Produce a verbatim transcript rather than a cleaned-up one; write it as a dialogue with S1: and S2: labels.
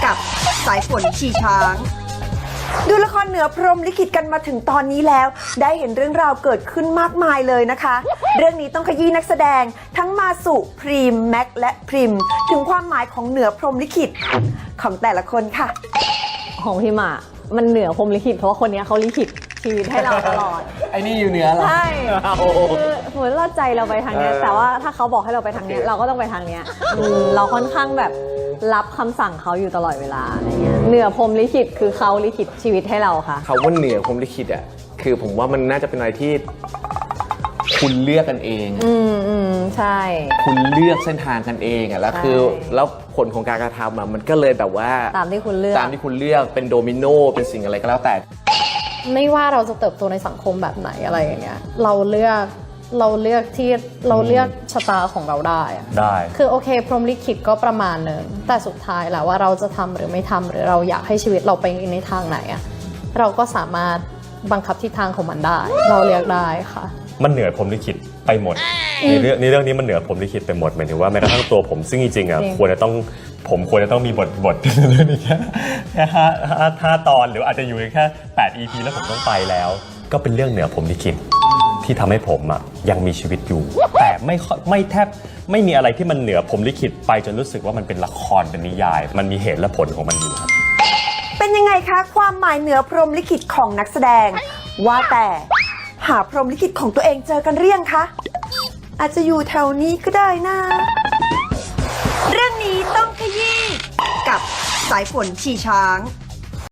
S1: กับสายฝนชีช้างดูละครเหนือพรหมลิขิตกันมาถึงตอนนี้แล้วได้เห็นเรื่องราวเกิดขึ้นมากมายเลยนะคะเรื่องนี้ต้องขยี้นักแสดงทั้งมาสุพรีมแม็กและพริมถึงความหมายของเหนือพรหมลิขิตของแต่ละคนค่ะ
S2: ของพิมอะมันเหนือพรหมลิขิตเพราะว่าคนนี้เขาลิขิตชีวิตให้เราตลอด
S3: ไอ้นี่อยู่เหนือเหรอ
S2: ใช่คือเหมือนเราใจเราไปทางเนี้ยแต่ว่าถ้าเขาบอกให้เราไปทางเนี้ยเราก็ต้องไปทางเนี้ยเราค่อนข้างแบบรับคำสั่งเขาอยู่ตลอดเวลาอะไรเงี้ยเหนือพรหมลิขิตคือเขาลิขิตชีวิตให้เราค่ะ
S3: คำว่าเหนือพรหมลิขิตอ่ะคือผมว่ามันน่าจะเป็นอะไรที่คุณเลือกกันเอง
S2: อืมอืมใช่
S3: คุณเลือกเส้นทางกันเองอ่ะแล้วคือแล้วผลของการกระทำอ่ะมันก็เลยแบบว่า
S2: ตามที่คุณเลือก
S3: ตามที่คุณเลือกเป็นโดมิโนเป็นสิ่งอะไรก็แล้วแต่
S4: ไม่ว่าเราจะเติบโตในสังคมแบบไหนอะไรอย่างเงี้ยเราเลือกเราเลือกที่เราเลือกชะตาของเราได้
S5: ได้
S4: คือโอเคพรหมลิขิตก็ประมาณหนึ่งแต่สุดท้ายแล้วว่าเราจะทำหรือไม่ทำหรือเราอยากให้ชีวิตเราไปในทางไหนอะเราก็สามารถบังคับทิศทางของมันได้เราเลือกได้ค่ะ
S5: มันเหนือพรหมลิขิตไปหมดในเรื่องในเรื่องนี้มันเหนือพรหมลิขิตไปหมดหมายถึงว่าแม้กระทั่งตัวผมซึ่งจริงๆอ่ะควรจะต้องผมควรจะต้องมีบทบทเรื่องนี้แค่แค่ห้าห้าตอนหรืออาจจะอยู่แค่แปด อี พี แล้วผมต้องไปแล้วก็เป็นเรื่องเหนือพรหมลิขิตที่ทำให้ผมอ่ะยังมีชีวิตอยู่แต่ไม่ไม่แทบไม่มีอะไรที่มันเหนือพรหมลิขิตไปจนรู้สึกว่ามันเป็นละครเป็นนิยายมันมีเหตุและผลของมันอยู่ครับ
S1: เป็นยังไงคะความหมายเหนือพรหมลิขิตของนักแสดงว่าแต่หาพรหมลิขิตของตัวเองเจอกันหรือยังคะอาจจะอยู่แถวนี้ก็ได้นะเรื่องนี้ต้องขยี้กับสายฝนชีช้าง